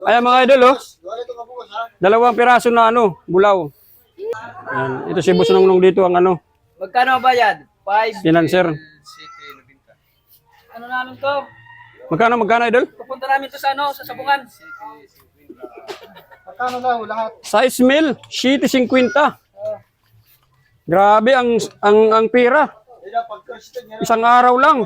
Ayan mga idol, oh. Dalawang piraso na bulaw. Ayan. Ito si Boss Nongnong dito ang Magkano bayad? 5. financer. Ano namin to? Magkano idol? Pupunta namin to sa sa Sabungan. Magkano daw lahat? Size meal, 7.50. Grabe ang pira. Isang araw lang.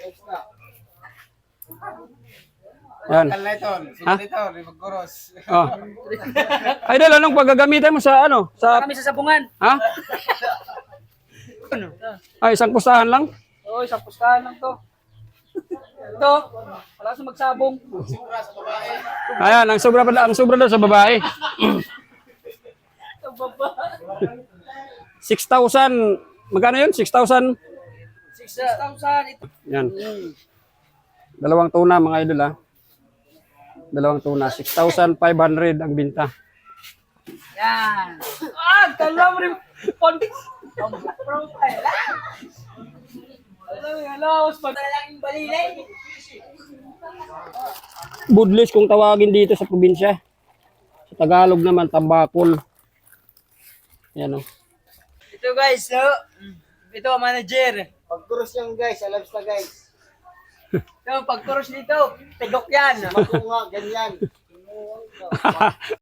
Yan. Ha? Oh. Idol, anong paggagamitan mo sa Sa Kami sa Sabungan. ha? Ay, isang pustahan lang. Oo, isang pustahan lang to. Ito, wala sa magsabong. Ayan, ang sobra daw sa babae. 6,000. Magkano yun? 6,000. 6,000. Yan. Dalawang tuna mga idol ha. Dalawang tuna. 6,500 ang binta. Yan. Kalam rin. Profile. Hello. Pagdalang yung balilay. Budlis kung tawagin dito sa probinsya. Sa Tagalog naman, tambakol. Yan o. Ito guys, ito manager. Pag-cross yan guys, alam sa guys. Ito, pag-cross nito, tigok yan. Makunga, ganyan.